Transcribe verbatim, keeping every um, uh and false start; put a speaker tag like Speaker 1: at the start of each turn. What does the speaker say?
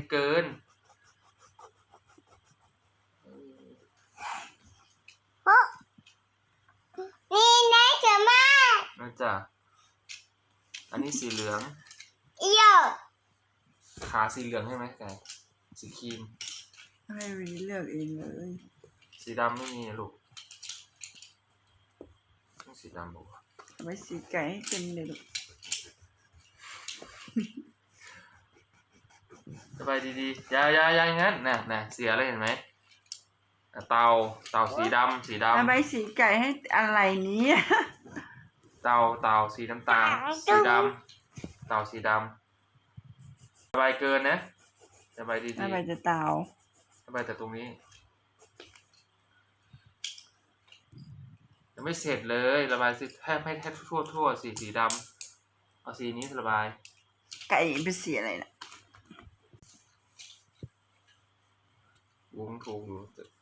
Speaker 1: เกิน
Speaker 2: นี่นะเจ๋อมาก
Speaker 1: นะจ๊ะอันนี้สีเหลือง
Speaker 2: เอี่ยว
Speaker 1: ขาสีเหลืองใช่ไหมไก่สีครีม
Speaker 3: ให้วีเลือกเองเลย
Speaker 1: สีดำไม่มีลูกต้องสีดำบอกว่า
Speaker 3: เอาไว้สีไก่ให้เต็มเลยลูก
Speaker 1: สบายดีๆยายายาอย่างนั้นน่ะน่ะเสียอะไรเห็นไหมเตาเตาสีดำสีดำ
Speaker 3: เอาไว้สีไก่ให้อะไรนี้
Speaker 1: เตาเตาสีน้ำตาลสีดำเตาสีดำสบายเกินนะสบายดีๆ
Speaker 3: เอาไว้จะเตา
Speaker 1: สบายแต่ตรงนี้ยังไม่เสร็จเลยระบายสีแทบให้แทบทั่วทั่วสีสีดำเอาสีนี้ระบาย
Speaker 3: ไก่เป็นสีอะไรนะ
Speaker 1: วงถูกอยู่